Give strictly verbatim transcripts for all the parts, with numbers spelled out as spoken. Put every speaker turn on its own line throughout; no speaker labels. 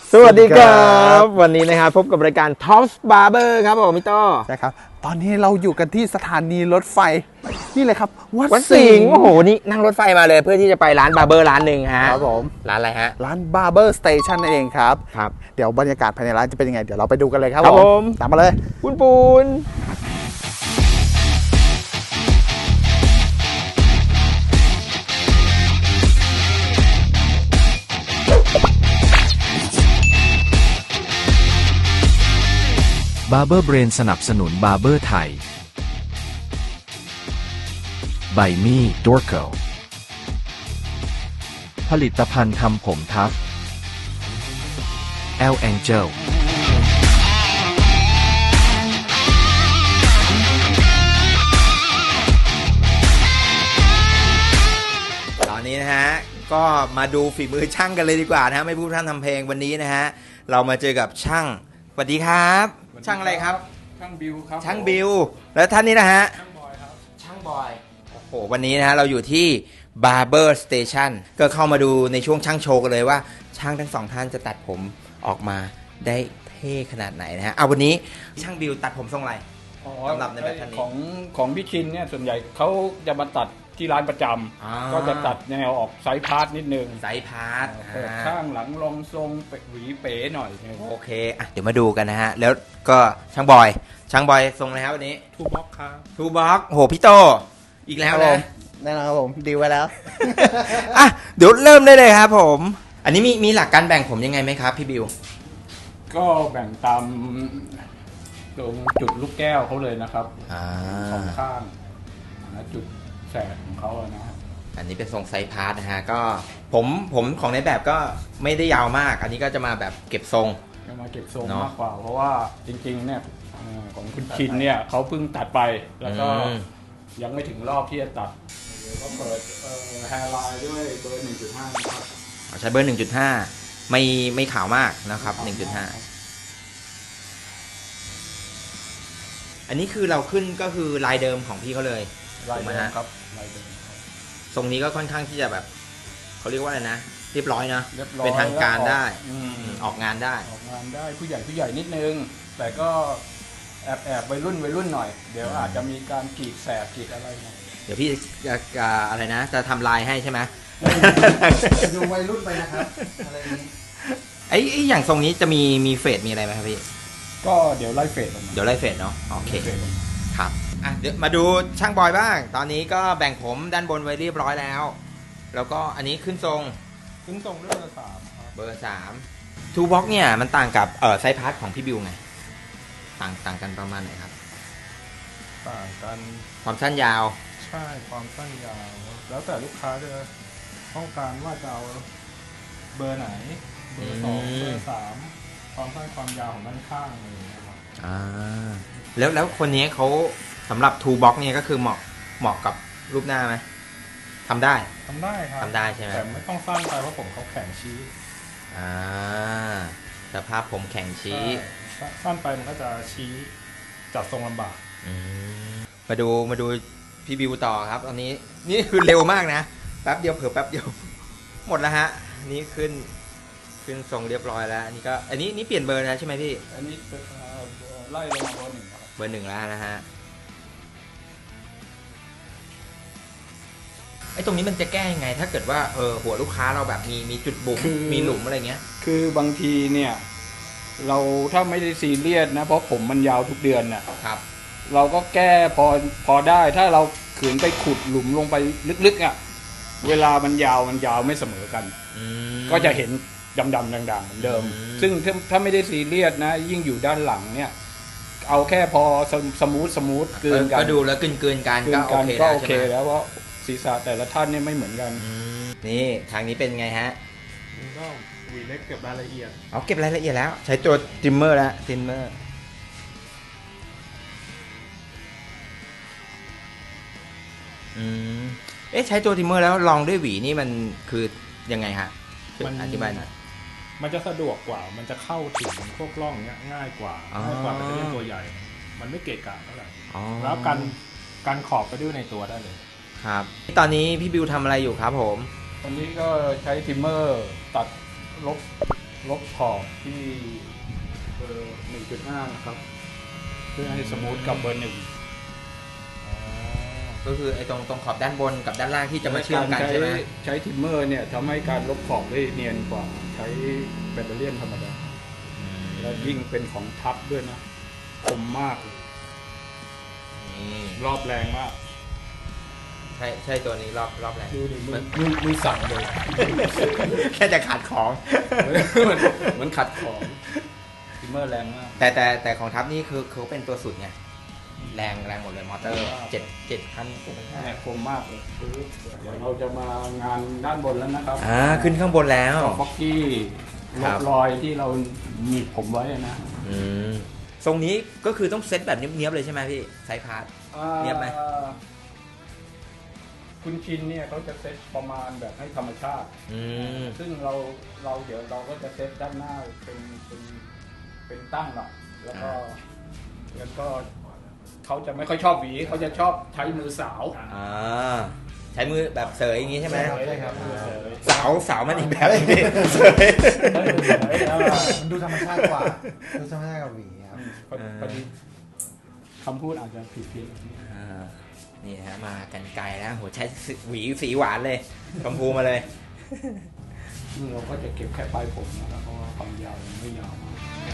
สวัสดีครับวันนี้นะครับพบกับรายการ Top Barber ครับผมพี่โต้
ใช่ครับตอนนี้เราอยู่กันที่สถานีรถไฟนี่เลยครับวัด
วัด
สิ
สิ
ง
ง
ห์
ห์โอ้โหนี่นั่งรถไฟมาเลยเพื่อที่จะไปร้านบาร์เบอร์ร้านหนึ่งฮะ
ครับผม
ร้านอะไรฮะ
ร้าน Barber Station นั่นเองครับ
ครับ
เดี๋ยวบรรยากาศภายในร้านจะเป็นยังไงเดี๋ยวเราไปดูกันเลยครับ
ครับผม
ตามมาเลย
ปูนปูน
บาร์เบอร์เบรนสนับสนุนบาร์เบอร์ไทยไบมี่ดอร์โกผลิตภัณฑ์ทำผมทัฟแอลแองเจล
ตอนนี้นะฮะก็มาดูฝีมือช่างกันเลยดีกว่านะฮะไม่พูดพร่ำทำเพลงวันนี้นะฮะเรามาเจอกับช่างสวัสดีครับช่างอะไรครับ
ช่างบิวครับ
ช่างบิวแล้วท่านนี้นะฮะ
ช่างบอยครับ
ช่างบอยโอ้โหวันนี้นะฮะเราอยู่ที่ Barber Station ก็เข้ามาดูในช่วงช่างโชว์กันเลยว่าช่างทั้งสองท่านจะตัดผมออกมาได้เท่ขนาดไหนนะฮะเอาวันนี้ช่างบิวตัดผมทรงอะไร
อ๋อ
สำหรับในแบบท่านนี้
ของของพี่ชินเนี่ยส่วนใหญ่เขาจะมาตัดที่ร้านประจ
อ่า
ำก็จะตัดแนวออกไซส์พาร์ทนิดนึง
ไซส์พาร์ท
เปิดข้างหลังรองทรงเปะหวีเป๋หน่อยนึง
โอเคอ่ะเดี๋ยวมาดูกันนะฮะแล้วก็ช่างบอยช่างบอยทรงอะไรครับวันนี้
ทูบ็อกครับ
ทูบ็อกโหพี่โตอีกแล้วนะ
แน่นอนครับผมดีไว้แล้ว
อ่ะเดี๋ยวเริ่มได้เลยครับผม อันนี้มีมีหลักการแบ่งผมยังไงไหมครับพี่บิว
ก็แบ่งตามตรงจุดลูกแก้วเขาเลยนะครับ
อ่า
สองข้างและจุดแสกของเขาอะนะฮะ
อันนี้เป็นทรงไซส์พาร์ทนะฮะก็ผมผมของในแบบก็ไม่ได้ยาวมาก อันนี้ก็จะมาแบบเก็บทรง
จะมาเก็บทรง
เนอะ
มากกว่า เพราะว่าจริงๆเนี่ยเอ่อของคุณชินเนี่ยเขาเพิ่งตัดไปแล้วก็
อืม
ยังไม่ถึงรอบที่จะตัดเดี๋ยวก็เปิดแฮร์ไลน์ด้วยเบอร์ หนึ่งจุดห้า นะครับ
ใช้เบอร์ หนึ่งจุดห้า ไม่ไม่ขาวมากนะครับ หนึ่งจุดห้า อันนี้คือเราขึ้นก็คือลายเดิมของพี่เขาเลย
ลาย
ถูกไหม
เดิม
ฮะ
ครับลายเดิมครับ
ทรงนี้ก็ค่อนข้างที่จะแบบเขาเรียกว่าอะไรนะ เรียบร้อยนะ
เรียบร้อย
เป็นทางการได้
อืม
อืมออกงานได้
ออกงานได้ผู้ใหญ่ผู้ใหญ่นิดนึง แต่ก็แอบแอบวัยรุ่นวัยรุ่นหน่อย เดี๋ยวอาจจะมีการกรีดแสบกรีดอะไรหน่อย
เดี๋ยวพี่จะจะอะไรนะ จะทำลายให้ใช่ไหม
ดูวัยรุ่นไปนะครับอะไรนี้
ไอ้ไอ้อย่างทรงนี้จะมีมีเฟดมีอะไรไหมครับพี่
ก็เดี๋ยวไล่เฟดออกมา
เดี๋ยวไล่เฟดเนาะโอเค
ไล่เฟดออกมา
ครับอ่ะเดี๋ยวมาดูช่างบอยบ้าง ตอนนี้ก็แบ่งผมด้านบนไว้เรียบร้อยแล้ว แล้วก็อันนี้ขึ้นทรง
ขึ้นทรงด้วยเบอร์สามครับ
เบอร์สามทูบ็อกเนี่ยมันต่างกับเออไซส์พาร์ทของพี่บิวไงต่างต่างกันประมาณไหนครับ
ต่างกัน
ความสั้นยาว
ใช่ความสั้นยาว แล้วแต่ลูกค้าจะต้องการว่าจะเอาเบอร์ไหน เบอร์สอง
อืม
เบอร์สามความสั้นความยาวของด้านข้างเลยนะครับ
อ่าแล้วแล้วคนนี้เขาสำหรับทูบ็อกเนี่ยก็คือเหมาะเหมาะกับรูปหน้าไหมทำได้
ทำได้ครับ
ทำได้ใช่ไหม
แต่ไม่ต้องสั้นไปเพราะผมเขาแข็งชี้
อ่าสภาพผมแข็งชี้
ใช่สั้นไปมันก็จะชี้จัดทรงลำบาก
อืมมาดูมาดูพี่บิวต่อครับตอนนี้นี่คือเร็วมากนะแป๊บเดียวเผลอแป๊บเดียว หมดแล้วฮะอันนี่ขึ้นขึ้นทรงเรียบร้อยแล้วอันนี้ก็อันนี้นี่เปลี่ยนเบอร์แล้วใช่ไหมพี่
อันนี้เป็นเอ่อไล่ลงมาเบอร์หนึ่งครับ
เบอร์หนึ่งแล้วนะฮะไอ้ตรงนี้มันจะแก้ยังไง ถ้าเกิดว่าเออหัวลูกค้าเราแบบมีมีจุดบุ๋มมีหลุมอะไรเงี้ย
คือบางทีเนี่ยเราถ้าไม่ได้ซีเรียสนะเพราะผมมันยาวทุกเดือนน่ะ
ครับ
เราก็แก้พอพอได้ถ้าเราขืนไปขุดหลุมลงไปลึกๆอ่ะเวลามันยาวมันยาวไม่เสมอกัน
อืม
ก็จะเห็นดำๆด่างๆเหมือนเดิม
อืม
ซึ่งถ้าถ้าไม่ได้ซีเรียสนะ ยิ่งอยู่ด้านหลังเนี่ย เอาแค่พอสมสมูทสมูทเกินกัน
ก็ดูแล้วกลืนกลืนๆกัน
เกิ
ก็
น
โอ
กัน
เค
ก็
แล้ว
โอ
ใช่
เค
ไหม
แล้วเพราะศีรษะแต่ละท่านเนี่ยไม่เหมือนกัน
อืมนี่ทางนี้เป็นไงฮะ
มันก็หวีเล็กเก็บรายละเอียด
เอาเก็บรายละเอียดแล้ว ใช้ตัวทริมเมอร์แล้วทริมเมอร์อืมเอ๊ะใช้ตัวทริมเมอร์แล้วลองด้วยหวีนี่มันคือยังไงฮะช่วย
มัน
อธิบายหน่อย
มันจะสะดวกกว่า มันจะเข้าถึงพวกร่องเนี้ยง่ายกว่า
อ๋อ
ง่ายกว่าแบตเตอรี่ตัวใหญ่ มันไม่เกะกะเท่าไหร่
อ๋อ
แล้วกันกันขอบไปด้วยในตัวได้เลย
ครับตอนนี้พี่บิวทำอะไรอยู่ครับผม
วันนี้ก็ใช้ทิมเมอร์ตัดลบลบขอบที่เบอร์หนึ่งจุดห้านะครับเพื่อให้สมูทกับเบอร์หนึ่ง
ก็คือไอ้ตรงตรงขอบด้านบนกับด้านล่างที่จะมาเชื่อมกันใช่ไหม
ใช้ทิมเมอร์เนี่ยทำให้การลบขอบได้เนียนกว่าใช้แบตเตอรี่ธรรมดาและยิ่งเป็นของทับด้วยนะคมมาก
นี่
รอบแรงมาก
ใช่ใช่ตัวนี้รอบรอบแรก
ดูดิมือมือมือสั่นเลย
แค่จะขาดของ
เหมือนเหมือนขัดของทิมเมอร์แรงมาก
แต่แต่แต่ของทัพนี่คือเขาเป็นตัวสุดไงแรงแรงหมดเลยมอเตอร์เจ็ดเจ็ดพัน
แรงคมมากเลยเดี๋ยวเราจะมางานด้านบนแล้วนะครับ
อ่าขึ้นข้างบนแล้ว
ฟอกกี้ล
ครับ บ
รอยที่เราหนีบผมไว้นะ
อืมทรงนี้ก็คือต้องเซตแบบเนี้ยบๆเลยใช่ไหมพี่ไซส์พาร์ท เนียบไหม
อ่าคุณชินเนี่ยเขาจะเซตประมาณแบบให้ธรรมชาติ
อืม
ซึ่งเราเราเดี๋ยวเราก็จะเซตด้านหน้าเป็นเป็นเป็นตั้งหน่อยแล้วก็แล้วก็เขาจะไม่ค่อยชอบหวีเขาจะชอบใช้มือสาว
อ่าใช้มือแบบเสยอย่างงี้ใช่ไหม
ใช่ครับมือเสย
สาวสาวมันอีกแบบหนึงพี่เสย
มือเสยอ่า
มันดูธรรมชาติกว่า ดูธรรมชาติกว่าหวีครับ
พอพอดีคำพูดอาจจะผิดเพี้ยน
อ่านี่ฮะมากันไกลแล้วโหใช้หวีสีหวานเลยชมพูมาเลย
นี่เราก็จะเก็บแค่ปลายผมนะครับเพราะว่าความยาวยังไม่ยาวมาก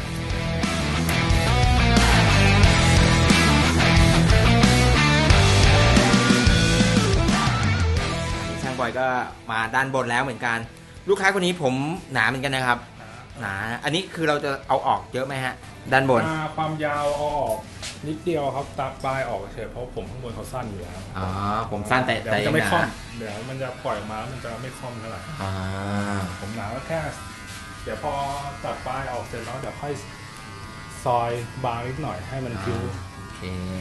ช่างบอยก็มาด้านบนแล้วเหมือนกัน ลูกค้าคนนี้ผมหนาเหมือนกันนะครับ หนาอันนี้คือเราจะเอาออกเยอะไหมฮะ ด้านบน
อ่าความยาวเอาออกนิดเดียวครับตัดปลายออกเฉยเพราะผมข้างบนเขาสั้นอยู่แล้ว
อ๋อผมสั้นแต่
เดี๋ยว
แต่
มัน
ยั
จะ
ง
ไม่
ห
คล่อ
นา
มเดี๋ยวมันจะปล่อยออกมาแล้วมันจะไม่คล่อมเท่าไหร่
อ่า
ผมหนาก็แค่เดี๋ยวพอตัดปลายออกเสร็จแล้วเดี๋ยวค่อยซอยบางนิดหน่อยให้มันคิ้ว
โอเค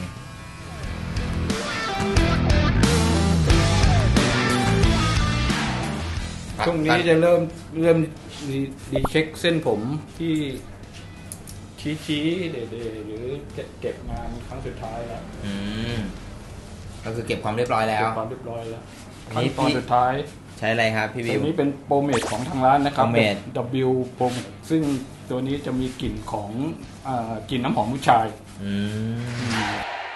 ช่วงนี้จะเริ่มเริ่มดีดีเช็คเส้นผมที่ชี้ชี้ๆเดๆหรือเก็บงานครั้งสุดท้ายแล้ว
อืมก็คือเก็บความเรียบร้อยแล้ว
เก็บความเรียบร้อยแล้ว
อัน
ขั้น
นี้
ตอน
พี่
สุดท้าย
ใช้อะไรครับพี่วิ
ตัว
ว
นี้เป็นโปรเมทของทางร้านนะครับ
Pomade
W โปรเมทซึ่งตัวนี้จะมีกลิ่นของอ่ากลิ่นน้ำหอมผู้ชาย
อืม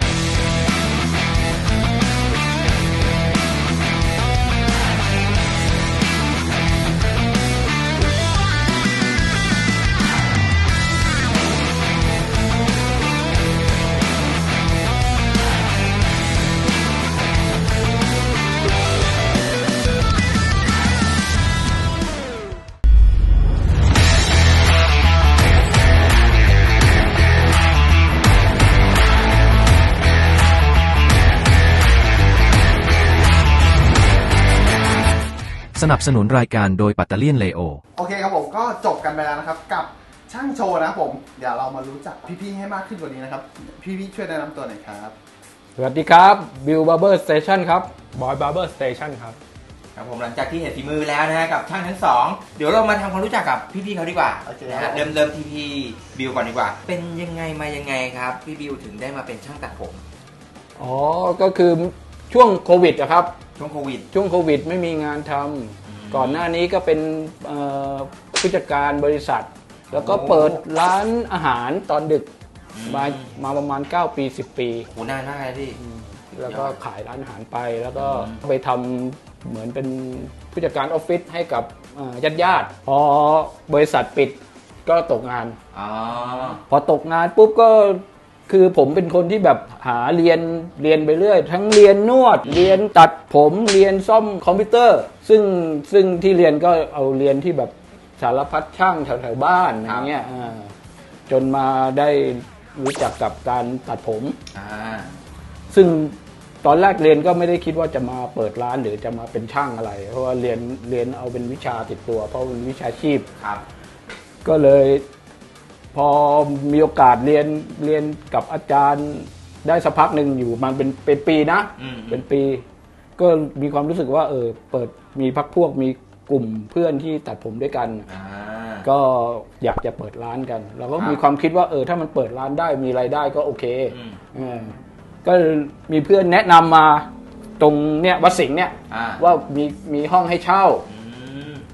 สนับสนุนรายการโดยปัตเตอร์เลียนเลโอ
โอเคครับผมก็จบกันไปแล้วนะครับกับช่างโชว์นะครับผมเดี๋ยวเรามารู้จักพี่ๆให้มากขึ้นกว่านี้นะครับพี่ๆช่วยแนะนำตัวหน่อยครับ
สวัสดีครับบิวบาร์เบอร์สเตชันครับ
บอยบาร์เบอร์สเตชันครับ
ครับผมหลังจากที่เห็นฝีมือแล้วนะฮะกับช่างทั้งสองเดี๋ยวเรามาทำความรู้จักกับพี่ๆเขาดีกว่า
โอเค
นะ
ครั
ฮะ
บ
เริ่มเริ่มที่พี่บิวก่อนดีกว่า เป็นยังไงมายังไงครับพี่บิวถึงได้มาเป็นช่างตัดผม
อ๋อ ก็คือช่วงโควิดอะครับ
ช่วงโควิด
ช่วงโควิดไม่มีงานทำก่อนหน้านี้ก็เป็นเอ่อผู้จัดการบริษัท แล้วก็เปิดร้านอาหารตอนดึกมามาประมาณเก้าปีสิบปี
โหนานมากเลยพี่
แล้วก็ขายร้านอาหารไป แล้วก็ไปทำเหมือนเป็นผู้จัดการออฟฟิศให้กับญาติญาติๆพอบริษัทปิดก็ตกงาน
อ๋อ
พอตกงานปุ๊บก็คือผมเป็นคนที่แบบหาเรียนเรียนไปเรื่อย ทั้งเรียนนวด เรียนตัดผมเรียนซ่อมคอมพิวเตอร์ ซึ่งซึ่งที่เรียนก็เอาเรียนที่แบบสารพัดช่างแถวๆบ้านอย่างเงี้ยอ่าจนมาได้รู้จักกับการตัดผม
อ่า
ซึ่งตอนแรกเรียนก็ไม่ได้คิดว่าจะมาเปิดร้านหรือจะมาเป็นช่างอะไร เพราะว่าเรียนเรียนเอาเป็นวิชาติดตัว เพราะเป็นวิชาชีพ
ครับ
ก็เลยพอมีโอกาสเรียนเรียนกับอาจารย์ได้สักพักหนึ่งอยู่มันเป็นเป็นปีนะ
อืม
เป็นปี ก็มีความรู้สึกว่าเออเปิดมีพักพวกมีกลุ่มเพื่อนที่ตัดผมด้วยกัน
อ่า
ก็อยากจะเปิดร้านกันเราก็
ครับ
มีความคิดว่าเออถ้ามันเปิดร้านได้มีรายได้ก็โอเค
อืม
เออก็มีเพื่อนแนะนำมาตรงเนี้ยวัดสิงห์เนี่ย
อ่า
ว่ามีมีห้องให้เช่า
อืม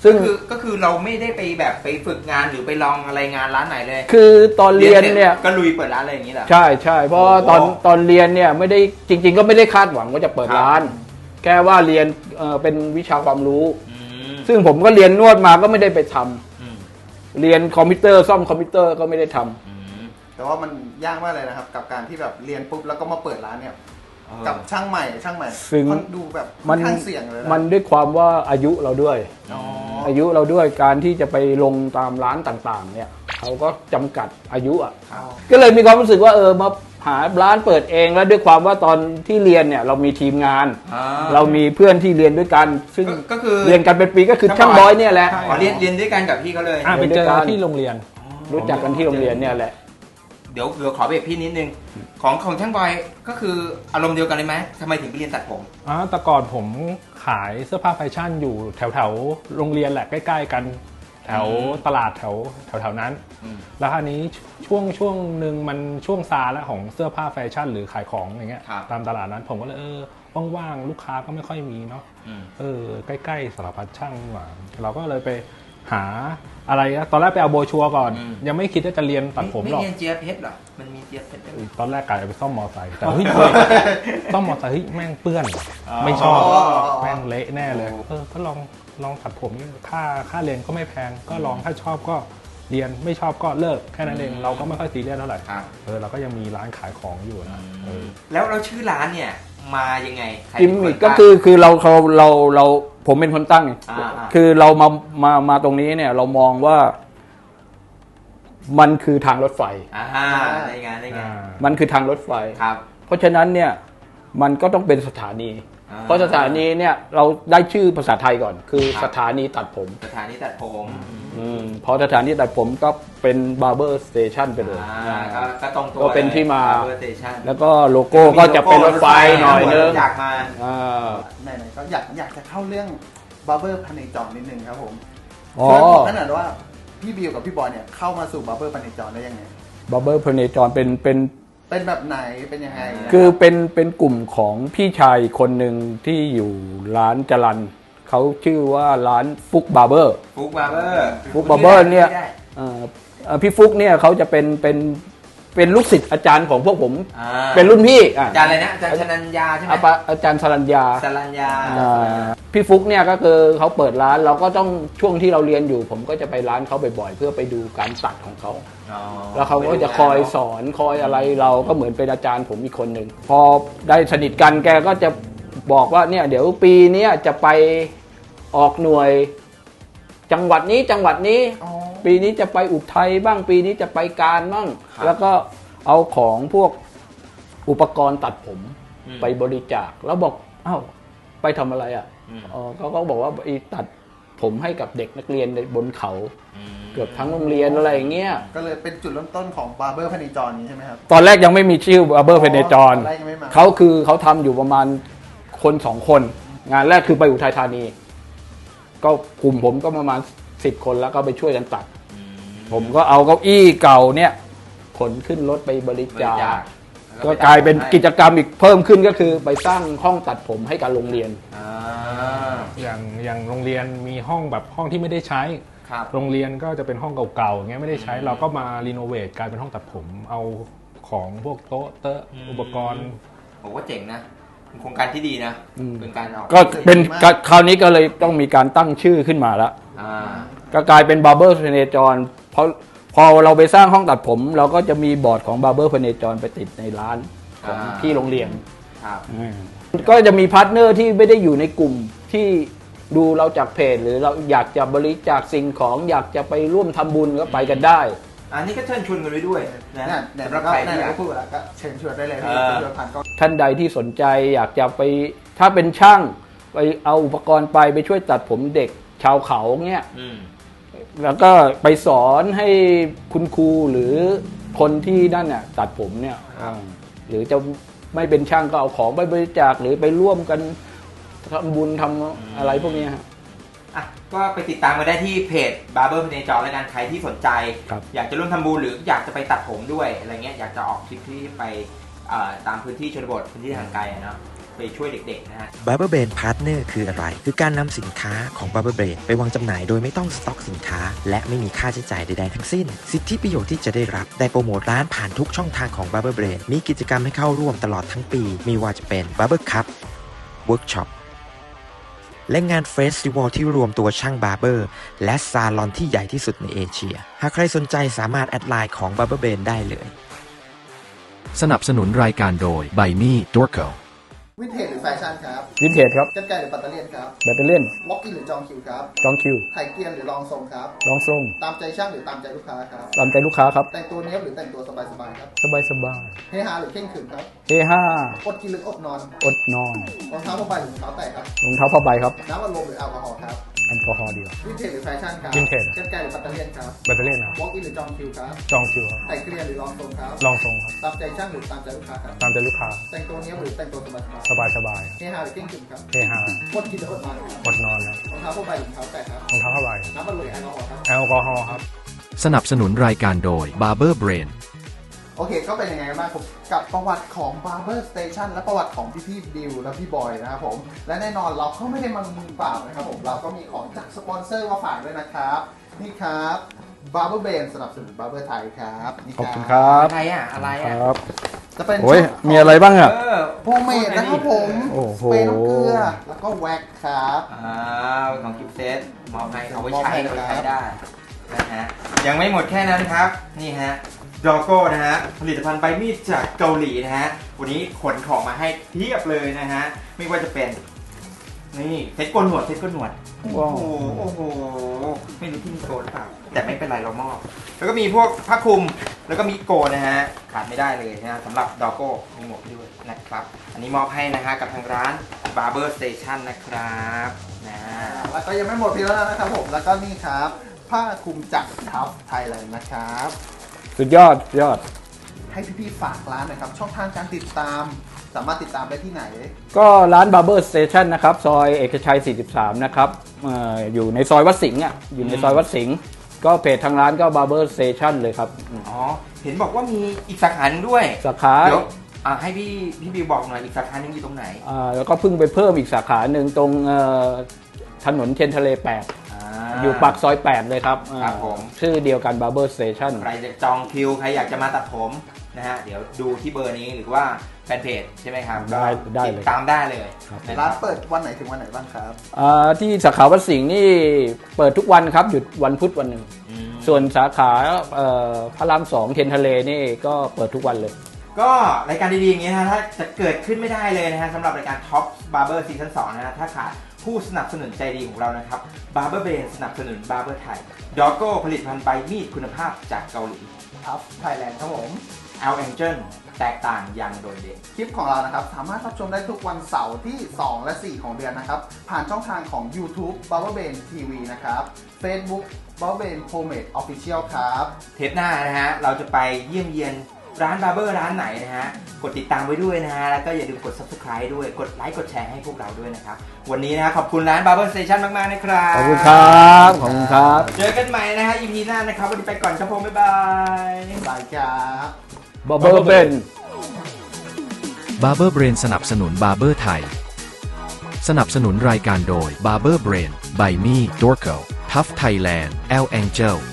ซึ่ง
ก็คือก็คือเราไม่ได้ไปแบบไปฝึกงานหรือไปลองอะไรงานร้านไหนเลย
คือตอนเรียนเนี่ย
ก็ลุยเปิดร้านอะไรอย่างนี้เหรอ
ใช่ใช่เพราะว่าตอน
โอ้
ตอนเรียนเนี่ยไม่ได้จริง ๆ ก็ไม่ได้คาดหวังว่าจะเปิด
ครับ
ร้าน แค่ว่าเรียนเอ่อเป็นวิชาความรู้
อืม
ซึ่งผมก็เรียนนวดมาก็ไม่ได้ไปทำ
อืม
เรียนคอมพิวเตอร์ซ่อมคอมพิวเตอร์ก็ไม่ได้ทำ
อืม
แต่ว่ามันยากมากเลยนะครับ กับการที่แบบเรียนปุ๊บแล้วก็มาเปิดร้านเนี่ย
เออ
กับช่างใหม่ช่างใหม่
ซึ่ง
ค่อนดูแบบค่
มั
อน นข้างเสี่ยงเลยะ
มันด้วยความว่าอายุเราด้วย
อ๋อ
อายุเราด้วยการที่จะไปลงตามร้านต่างๆ เนี่ยเขาก็จำกัดอายุอ่ะ
ครับ
ก็เลยมีความรู้สึกว่าเออมาหาร้านเปิดเองแล้วด้วยความว่าตอนที่เรียนเนี่ยเรามีทีมงาน
อ่า
เรามีเพื่อนที่เรียนด้วยกัน ซึ่ง
ก็ก็คือ
เรียนกันเป็นปีก็คือ
ช่า
ช่าง ง
บบ อ
อย ยเนี่ยแหละ
ใช่
อ๋อเรียนเรียนด้วยกันกับพี่เขาเลย
อ่ะไปเจอ
เรียนด้วยกัน
ที่โรงเรียน
รู้จักกันที่โรงเรียนเนี่ยแหละ
เดี๋ยวเดี๋ยวขอเบรกพี่นิดนึงของของช่างบอยก็คืออารมณ์เดียวกันเลยไหมทำไมถึงไปเรียนตัดผม
อ๋อแต่ก่อนผมขายเสื้อผ้าแฟชั่นอยู่แถวแถวๆโรงเรียนแหละใกล้ๆกัน แถวตลาดแถวแถวแถวๆนั้น
อืม
แล้วคราวนี้ช่วงช่วงหนึ่งมันช่วงซาแล้วของเสื้อผ้าแฟชั่นหรือขายของอย่างเงี้ย
ครับ
ตามตลาดนั้นผมก็เลยเออว่างๆลูกค้าก็ไม่ค่อยมีเนาะ
อืม
เออใกล้ๆสารพัดช่างนี่หว่าเราก็เลยไปหาอะไรนะตอนแรกไปเอาโบรชัวร์ก่อน
อืม
ยังไม่คิดว่าจะเรียนตัดผมหรอก
ไเรียนเจี๊ยบเพชรเหรอมันมีเจี๊ยบเพชรด้วย
ตอนแรกกะจะไปซ่อมมอไซค์แต่เฮ้ย ซ่อมมอไซค์เฮ้ยแม่งเปื้อน
อ๋อ
ไม่ชอบ
อ๋อ
แม่งเละแน่เลย
โอ้
เออก็ลองลองตัดผมนี่ค่าค่าเรียนก็ไม่แพงก็ลองถ้าชอบก็เรียนไม่ชอบก็เลิกแค่นั้นเองเราก็ไม่ค่อยซีเรียสเท่าไหร่
ครับ
เออเราก็ยังมีร้านขายของอยู่นะเออ
แล้วเราชื่อร้านเนี่ยมายังไงใคร
กิม
เป็น
มิ
น
คก็
ตั้ง
คือคือเราเราเราเราผมเป็นคนตั้งไง
อ่าอ่า
คือเรามามามาตรงนี้เนี่ย เรามองว่า มันคือทางรถไฟ
อ่าได้ไงได้ไง
อ่า
มันคือทางรถไฟ
ครับ
เพราะฉะนั้นเนี่ย มันก็ต้องเป็นสถานี
อ่า
เพราะสถานีเนี่ย เราได้ชื่อภาษาไทยก่อน คือ
ครับ
สถานีตัดผม
สถานีตัดผม
อืมพอสถานีตัดผมก็เป็น barber station ไปเลย
อ่าก็ก็ตรงตัว
ก็เป็นที่มา
เวอร์สเตชัน
แล้วก็โลโก้ก็จะเป็นรถไฟหน่อยนึง
อยากมา
อ่า
ไหนๆก็อยากอยากจะเข้าเรื่องบาร์เบอร์พเนจรนิดนึงครับผม
อ๋อ
ช่วยบอกขนาดว่าพี่บิวกับพี่บอยเนี่ยเข้ามาสู่บาร์เบอร์พเนจรได้ยังไง
barber พเนจรเป็นเป็น
เป็นแบบไหนเป็นยังไงนะ
คือเป็นเป็นกลุ่มของพี่ชายคนหนึ่งที่อยู่ร้านจรันเขาชื่อว่าร้านฟุกบาร์เบอร์
ฟุกบาร์เบอร์
ฟุกบาร์เบอร์เนี่ยเอ่อเอ่อพี่ฟุกเนี่ยเขาจะเป็นเป็นเป็นลูกศิษย์อาจารย์ของพวกผม
อ่า
เป็นรุ่นพี่อ่ะ
อาจารย์อะไรนะอาจารย์ชนัญญาใช่ไหม
อาปะอาจารย์สรัญญา
สรัญญา
อ่าพี่ฟุกเนี่ยก็คือเขาเปิดร้านเราก็ต้องช่วงที่เราเรียนอยู่ ผมก็จะไปร้านเขาบ่อยๆเพื่อไปดูการตัดของเขา
อ๋อ
แล้วเขาก็จะคอยสอนคอยอะไรเราก็เหมือนเป็นอาจารย์ผมอีกคนหนึ่งพอได้สนิทกันแกก็จะบอกว่าเนี่ยเดี๋ยวปีเนี้ยจะไปออกหน่วยจังหวัดนี้จังหวัดนี้
อ๋อ
ปีนี้จะไปอุทัยบ้างปีนี้จะไปการบ้าง
ครับ
แล้วก็เอาของพวกอุปกรณ์ตัดผม
อืม
ไปบริจาคแล้วบอกเอ้าไปทำอะไรอ่ะ
อืม
อ๋อเขาก็บอกว่าไปตัดผมให้กับเด็กนักเรียนในบนเขา เกือบทั้งโรงเรียนอะไรอย่างเงี้ย
ก็เลยเป็นจุดเริ่มต้นของบาร์เบอร์พเนจรนี้ใช่ไหมครับ
ตอนแรกยังไม่มีชื่อ Barber เพเนจร
ตอนแรกยังไม่มา
เขาคือเขาทำอยู่ประมาณคนสองคน งานแรกคือไปอุทัยธานี ก็กลุ่มผมก็ประมาณสิบคนแล้วก็ไปช่วยกันตัด ผมก็เอาเก้าอี้เก่าเนี่ยขนขึ้นรถไปบริ
บริ
จา
จา
ค
ค
ก็กลายเป็นกิจกรรมอีกเพิ่มขึ้นก็คือไปสร้างห้องตัดผมให้กับโรงเรียน
อ่า
อย่างอย่างโรงเรียนมีห้องแบบห้องที่ไม่ได้ใช้
ครับ
โรงเรียนก็จะเป็นห้องเก่าๆอย่างเงี้ยไม่ได้ใช้
อืม
เราก็มารีโนเวทกลายเป็นห้องตัดผม เอาของพวกโต๊ะเตอะ
อืม
อุปกรณ์
ผมว่าเจ๋งนะเป็นโครงการที่ดีนะ
อืม
เป็นการออก
ก็เป็นคราวนี้ก็เลยต้องมีการตั้งชื่อขึ้นมาแล้ว
อ่า
ก็กลายเป็น Barber เพเนจรเพราะพอเราไปสร้างห้องตัดผม เราก็จะมีบอร์ดของ Barber เพเนจรไปติดในร้านของ
อ่า
ที่โรงเรียน
ครับ
ก็จะมีพาร์ทเนอร์ที่ไม่ได้อยู่ในกลุ่มที่ดูเราจากเพจ หรือเราอยากจะบริจาคสิ่งของอยากจะไปร่วมทำบุญก็ไปกันได้
อันนี้ก็เชิญชวนกันไว้ด้วยนะ
เนี่ยเดี๋ยว
สำห
เรา
รับ
ก็
ใคร
ไหน
ที่อ
ๆ
ยาก
ก็พูดแล้วก็เชิญชวนได้เลยพี่
เออ
เชิญชวนผ่านก็
ท่านใดที่สนใจอยากจะไปถ้าเป็นช่างไปเอาอุปกรณ์ไปไปช่วยตัดผมเด็กชาวเขาเงี้ย
อืม
แล้วก็ไปสอนให้คุณครูหรือคนที่ด้านเนี่ยตัดผมเนี่ยอ่าหรือจะไม่เป็นช่างก็เอาของไปบริจาคหรือไปร่วมกันทำบุญทำอะไรพวกเนี้ยฮะ
อ่ะก็ไปติดตามกันได้ที่เพจ Barber พเนจรแล้วกันใครที่สนใจ
ครับ
อยากจะร่วมทำบุญหรืออยากจะไปตัดผมด้วยอะไรเงี้ยอยากจะออกทริปที่ไปเอ่อตามพื้นที่ชนบทพื้นที่ทางไกลอะเนาะไปช่วยเด็กๆนะฮะ
Barber Brain Partner คืออะไร คือการนำสินค้าของ Barber Brain ไปวางจำหน่ายโดยไม่ต้องสต็อกสินค้า และไม่มีค่าใช้จ่ายใดๆทั้งสิ้น สิทธิประโยชน์ที่จะได้รับได้โปรโมทร้านผ่านทุกช่องทางของ Barber Brain มีกิจกรรมให้เข้าร่วมตลอดทั้งปี มีว่าจะเป็น Barber Cup Workshop และงานเฟสติวัลที่รวมตัวช่างบาร์เบอร์และซาลอนที่ใหญ่ที่สุดในเอเชีย หากใครสนใจสามารถแอดไลน์ของ Barber Brain ได้เลย
สนับสนุนรายการโดย By Me Dorco
วินเทจหรือแฟชั่นครับ
วินเทจครับ
กันไกลหรือปัตเตอร์เลียนครับ
แบตเตอรี่
วอล์กอินหรือจองคิวครับ
จองคิว
ไถเกียนหรือลองทรงครับ
ลองทรง
ตามใจช่างหรือตามใจลูกค้าครับ
ตามใจลูกค้าครับ
แต่งตัวเนี้ยบหรือแต่งตัวสบายๆครับ
สบายสบาย
เฮฮาหรือเข่งขรึมครับ
เอห้า
อดกินหรืออดนอน
อดนอน
รองเท้าผ้าใบหรือรองเท้าแตะครับ
รองเท้าผ้าใบครับ
น้ำอัดลมหรือแอลกอฮอล์ครับ
แอลกอฮอล์เดียว
วินเทจหรือแฟชั่นครับ
วินเทจ
กันไกลหรือปัตเตอร์เลียนครับ
แบตเตอรี่นะ
วอล์กอินหรือจองคิวครับ
จองคิวครับ
ไถเกียนหรือลองทรงครับ
ลองทรงครับ
ตามใจช่างหรือตามใจลูกค้าครับ
ตามใจลูกค้า
แต่งตัวเนี้ยบหรือแต่งตัวสบาย
สบายสบาย
ๆเฮฮาหรือเข่งขรึมครับ
เอห้า
อดกินหรืออดนอนครับ
อดนอนครับ
รองเท้าผ้าใบหรือรองเท้าแตะครับ
รองเท้าผ้าใบ
น้ำอัดลมหรือแอลกอฮอล์ครับ
แอลกอฮอล์ครับ
สนับสนุนรายการโดย Barber Brain
โอเค ก็เป็นยังไงกันบ้างครับกับประวัติของ Barber Station และประวัติของพี่พี่บิวและพี่บอยนะครับผม และแน่นอนเราก็ไม่ได้มามือเปล่านะครับผม เราก็มีของจากสปอนเซอร์มาฝากด้วยนะครับ นี่ครับ Barber Brain สนับสนุน Barber ไทยครับนี่
ขอบคุณครับ
อะไรอ่ะ อะไร
ค
อ่ะ
รับ
จะเป็น
โอ้ย
ชุด
มีอะไรบ้างอ่ะ
เออ
โฮมเมดนะครับผม
โอ้
ส
โห
เปรย์น้ำเกลือ แล้วก็แว็กครับ
อ่าของกิฟต์เซตมอบให้เอาไว้ใช้
มอบให้
เอาไว้
ครับ
ใช้ได้นะฮะยังไม่หมดแค่นั้นครับนี่ฮะดอโก้นะฮะผลิตภัณฑ์ใบมีดจากเกาหลีนะฮะวันนี้ขนของมาให้เพียบเลยนะฮะไม่ว่าจะเป็นนี่เซ็ตโกนหนวดเซ็ตโกนหนวดโอ้
ว้าว
โหโอ้โหไม่รู้ที่มีโกนหรือเปล่าแต่ไม่เป็นไรเรามอบแล้วก็มีพวกผ้าคลุมแล้วก็มีโกนนะฮะขาดไม่ได้เลยนะฮะสำหรับดอโก้มีหมวกด้วยนะครับอันนี้มอบให้นะฮะกับทางร้าน Barber Station นะครับนะ
แล้วก็ยังไม่หมดเพียงเท่านั้นนะครับผม แล้วก็นี่ครับ ผ้าคลุมจากทัฟไทยเลยนะครับ
สุดยอดสุดยอด
ให้พี่ๆฝากร้านหนะครับ ช่องทางการติดตาม สามารถติดตามได้ที่ไหน
ก็ร้าน Barber Station นะครับ ซอยเอกชัย สี่สิบสาม นะครับเอ่ออยู่ในซอยวัดสิงห์อ่ะ อยู่ในซอยวัดสิงห์ก็เพจทางร้านก็ Barber Station เลยครับ
อ๋อเห็นบอกว่ามีอีกสาขาหนึ่งด้วย
สาขา
เดี๋ยวอ่ะให้พี่พี่บิวบอกหน่อยอีกสาขาหนึงอยู่ตรงไหน
อ่าแล้วก็เพิ่งไปเพิ่มอีกสาขาหนึ่งตรงเอ่อถนนเทียนทะเล แปด อยู่ปากซอย แปด เลยครับ
ครับผม
ชื่อเดียวกัน Barber Station
ใครจะจองคิวใครอยากจะมาตัดผมนะฮะเดี๋ยวดูที่เบอร์นี้หรือว่าแฟนเพจใช่ไหมครับ
ได้ได้เลย
ติดตามได้เลย
ครับ
นะค
ร้า
รั
น
บ
เปิดวันไหนถึงวันไหนบ้างครับ
อ่าที่สาขาวัดสิงห์นี่เปิดทุกวันครับหยุดวันพุธวันหนึ่ง
อืม
ส่วนสาขาเอ่อพระรามสองเทียนทะเลนี่ก็เปิดทุกวันเลย
ก็รายการดีๆอย่างนี้นะฮะถ้าจะเกิดขึ้นไม่ได้เลยนะฮะสำหรับรายการ Top Barber Season สองนะฮะถ้าขาดผู้สนับสนุนใจดีของเรานะครับ Barber Brain สนับสนุน Barber ไทย Doggo ผลิตภัณฑ์ใบมีดคุณภาพจากเกาหลี
ทัฟไทยแลนด์ครับผม
L Angel แตกต่างอย่างโดดเด่น
คลิปของเรานะครับ สามารถรับชมได้ทุกวันเสาร์ที่ สอง และ สี่ ของเดือนนะครับ ผ่านช่องทางของ YouTube Barber Brain ที วี นะครับ Facebook Barber Brain Homemade Official ครับ
เทปหน้านะฮะเราจะไปเยี่ยมเยียนร้านบาร์เบอร์ร้านไหนนะฮะกดติดตามไว้ด้วยนะฮะแล้วก็อย่าลืมกด Subscribe ด้วยกดไลค์กดแชร์ให้พวกเราด้วยนะครับวันนี้นะขอบคุณร้าน Barber Station มากๆนะครับ
ขอบคุณครับ ขอบคุณครับ
เจอกันใหม่นะฮะ อี พี หน้านะครับวันนี้ไปก่อนครับผมบ๊ายบาย
บายครับ
Barber Ben
Barber Brain สนับสนุน Barber ไทย สนับสนุนรายการโดย Barber Brain By Me Dorco Tough Thailand L Angel